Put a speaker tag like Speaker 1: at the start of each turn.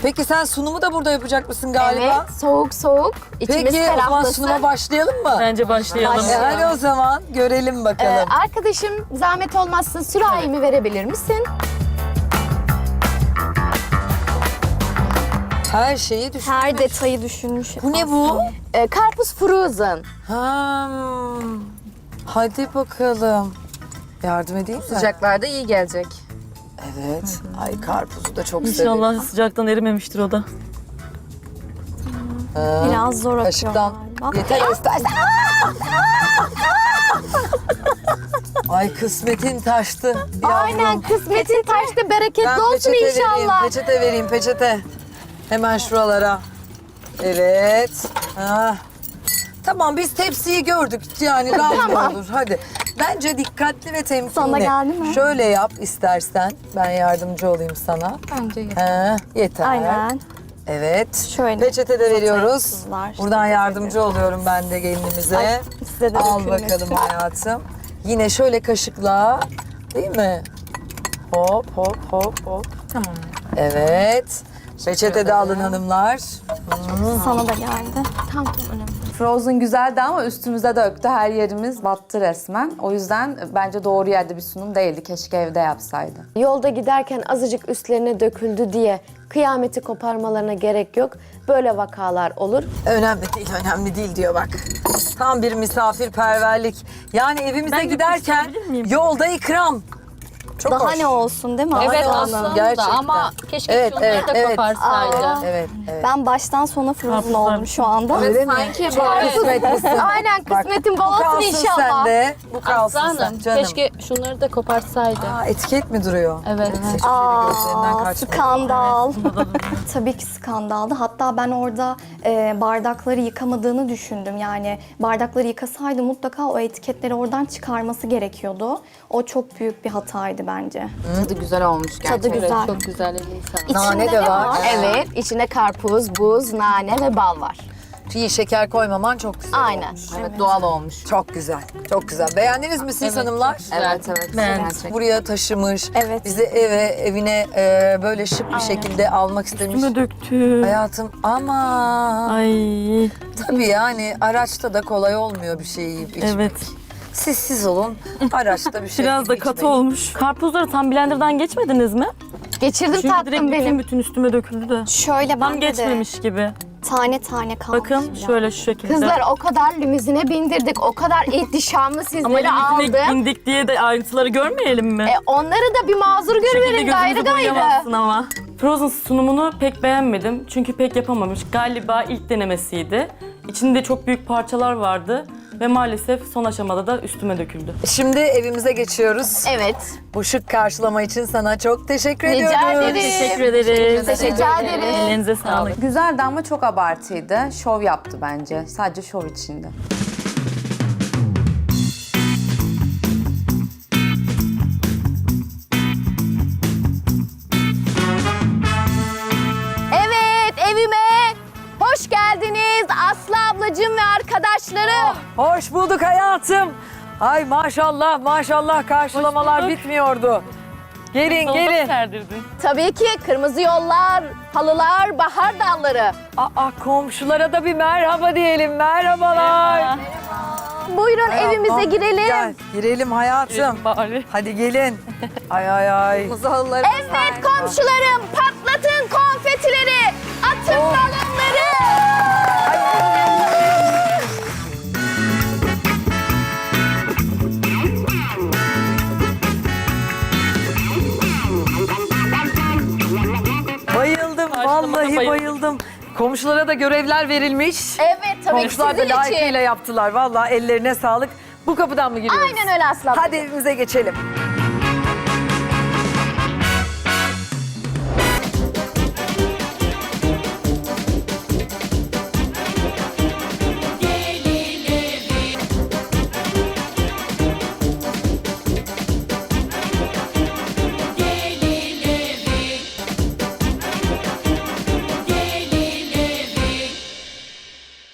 Speaker 1: Peki sen sunumu da burada yapacak mısın galiba?
Speaker 2: Evet, soğuk soğuk. İçimiz
Speaker 1: Peki o zaman
Speaker 2: ferahlasın.
Speaker 1: sunuma başlayalım mı?
Speaker 3: Bence başlayalım.
Speaker 1: Hadi o zaman görelim bakalım.
Speaker 2: Arkadaşım zahmet olmazsa sürahimi verebilir misin?
Speaker 1: Her şeyi düşün.
Speaker 4: Her detayı düşünmüş.
Speaker 1: Bu ne bu?
Speaker 2: Karpuz frozen.
Speaker 1: Hmm. Hadi bakalım. Yardım edeyim mi?
Speaker 5: Sıcaklarda iyi gelecek.
Speaker 1: Evet. Ay karpuzu da çok severim.
Speaker 3: İnşallah sıcaktan erimemiştir o da.
Speaker 4: Biraz zor atıyor
Speaker 1: Kaşıktan
Speaker 4: galiba.
Speaker 1: yeter istersen. Ay kısmetin taştı. Yavrum.
Speaker 2: Aynen, kısmetin taşta bereketli
Speaker 1: Ben
Speaker 2: olsun
Speaker 1: peçete vereyim,
Speaker 2: inşallah.
Speaker 1: peçete vereyim, peçete. Hemen şuralara. Evet. Ha. Tamam biz tepsiyi gördük yani rahat olur hadi. Bence dikkatli ve temkinli.
Speaker 4: Sana geldi mi?
Speaker 1: Şöyle yap istersen ben yardımcı olayım sana.
Speaker 5: Bence yeter.
Speaker 1: Ha, yeter.
Speaker 4: Aynen.
Speaker 1: Evet.
Speaker 4: Şöyle
Speaker 1: Peçete de veriyoruz.
Speaker 4: kızlar.
Speaker 1: Buradan yardımcı oluyorum ben de gelinimize.
Speaker 4: Ay, size de
Speaker 1: Al
Speaker 4: dökülmesin.
Speaker 1: bakalım hayatım. Yine şöyle kaşıkla değil mi? Hop hop hop hop.
Speaker 5: Tamam.
Speaker 1: Evet. Peçete de alın hanımlar.
Speaker 4: Sana da geldi.
Speaker 2: Tamam, önemli.
Speaker 6: Frozen güzeldi ama üstümüze döktü. Her yerimiz battı resmen. O yüzden bence doğru yerde bir sunum değildi. Keşke evde yapsaydı.
Speaker 2: Yolda giderken azıcık üstlerine döküldü diye kıyameti koparmalarına gerek yok. Böyle vakalar olur.
Speaker 1: Önemli değil diyor bak. Tam bir misafirperverlik. Yani evimize
Speaker 3: Ben de
Speaker 1: giderken
Speaker 3: konuşabilir miyim?
Speaker 1: yolda ikram. Çok
Speaker 4: Daha
Speaker 1: hoş.
Speaker 4: ne olsun değil mi?
Speaker 5: Evet
Speaker 4: Aslı
Speaker 5: aslında
Speaker 4: Hanım?
Speaker 1: gerçekten.
Speaker 5: ama keşke
Speaker 1: Evet,
Speaker 5: şunları
Speaker 1: evet,
Speaker 5: da
Speaker 1: evet.
Speaker 5: koparsaydı.
Speaker 1: Evet, evet.
Speaker 4: Ben baştan sona frozen
Speaker 3: Karpuzlar.
Speaker 4: oldum şu anda.
Speaker 1: Öyle mi?
Speaker 5: Sanki
Speaker 1: Çok
Speaker 5: böyle-
Speaker 1: kısmetlisin.
Speaker 2: Aynen, kısmetin bol
Speaker 1: Bu
Speaker 2: olsun
Speaker 1: kalsın
Speaker 2: inşallah.
Speaker 1: sende. Bu kalsın
Speaker 5: Aslanım
Speaker 1: sen canım.
Speaker 5: keşke şunları da koparsaydı.
Speaker 1: Aa, etiket mi duruyor?
Speaker 5: Evet.
Speaker 1: Hiçbir şey gözlerinden
Speaker 4: Aa,
Speaker 1: kaçmıyor.
Speaker 4: skandal. Tabii ki skandaldı. Hatta ben orada bardakları yıkamadığını düşündüm. Yani bardakları yıkasaydı mutlaka o etiketleri oradan çıkarması gerekiyordu. O çok büyük bir hataydı bence.
Speaker 5: Tadı güzel olmuş gerçekten.
Speaker 4: Tadı güzel.
Speaker 5: Çok güzel elini sağlık.
Speaker 1: Nane
Speaker 4: İçinde
Speaker 1: de
Speaker 4: ne
Speaker 1: var.
Speaker 2: Evet, içine karpuz, buz, nane ve bal var.
Speaker 1: İyi şeker koymaman çok güzel
Speaker 2: Aynen.
Speaker 1: olmuş.
Speaker 5: Evet doğal olmuş.
Speaker 1: Çok güzel, çok güzel. Beğendiniz mi siz hanımlar?
Speaker 5: Evet.
Speaker 3: Ben-
Speaker 5: Gerçekten.
Speaker 1: Buraya taşımış,
Speaker 4: Evet.
Speaker 1: bizi evine böyle şık bir şekilde almak istemiş.
Speaker 3: Üstüme döktü.
Speaker 1: Hayatım ama
Speaker 3: Ay
Speaker 1: tabii yani araçta da kolay olmuyor bir şey yiyip içmek.
Speaker 3: evet.
Speaker 1: Siz olun, araçta bir şey
Speaker 3: Biraz da
Speaker 1: yiyip
Speaker 3: katı
Speaker 1: içmeyin.
Speaker 3: olmuş. Karpuzları tam blenderdan geçmediniz mi?
Speaker 2: Geçirdim
Speaker 3: Çünkü
Speaker 2: tatlım
Speaker 3: direkt
Speaker 2: benim.
Speaker 3: bütün üstüme döküldü de.
Speaker 4: Şöyle
Speaker 3: Tam
Speaker 4: bende de
Speaker 3: geçmemiş gibi.
Speaker 4: tane tane kalmış.
Speaker 3: Bakın
Speaker 4: biraz.
Speaker 3: şöyle şu şekilde.
Speaker 2: Kızlar o kadar limuzine bindirdik, o kadar ihtişamlı
Speaker 3: Ama
Speaker 2: sizleri
Speaker 3: limuzine
Speaker 2: aldım.
Speaker 3: indik diye de ayrıntıları görmeyelim mi?
Speaker 2: Onları da bir mazur
Speaker 3: Bu şekilde
Speaker 2: görüverin gayrı
Speaker 3: gözümüzü
Speaker 2: gayrı.
Speaker 3: boyayamazsın ama. Frozen sunumunu pek beğenmedim. Çünkü pek yapamamış. Galiba ilk denemesiydi. İçinde çok büyük parçalar vardı. Ve maalesef son aşamada da üstüme döküldü.
Speaker 1: Şimdi evimize geçiyoruz.
Speaker 2: Evet.
Speaker 1: Bu şık karşılama için sana çok teşekkür
Speaker 2: Rica
Speaker 1: ediyoruz.
Speaker 2: ederim.
Speaker 3: Teşekkür ederiz.
Speaker 2: Teşekkür ederim.
Speaker 3: Ellerinize sağlık.
Speaker 6: Güzeldi ama çok abartıydı. Şov yaptı bence. Sadece şov içinde.
Speaker 2: Evet, evime hoş geldiniz Aslı ablacığım ve arkadaşlarım.
Speaker 1: Hoş bulduk hayatım. Ay maşallah maşallah karşılamalar
Speaker 3: Hoş bulduk.
Speaker 1: bitmiyordu. Gelin
Speaker 3: Solda
Speaker 1: gelin.
Speaker 3: serdirdin.
Speaker 2: Tabii ki kırmızı yollar, halılar, bahar dalları.
Speaker 1: Aa komşulara da bir merhaba diyelim. Merhabalar.
Speaker 2: Buyurun evimize girelim.
Speaker 1: Gel girelim hayatım.
Speaker 3: Bari.
Speaker 1: Hadi gelin. Ay ay ay.
Speaker 2: Evet komşularım, patlatın konfetileri, atın balonları.
Speaker 1: Bayıldım
Speaker 3: Karşılamada
Speaker 1: vallahi
Speaker 3: bayıldım.
Speaker 1: bayıldım. Komşulara da görevler verilmiş.
Speaker 2: Evet tabii ki
Speaker 1: Komşular da
Speaker 2: sizin için.
Speaker 1: layıkıyla yaptılar. Vallahi ellerine sağlık. Bu kapıdan mı giriyoruz?
Speaker 2: Aynen öyle Aslı abla.
Speaker 1: Hadi evimize geçelim.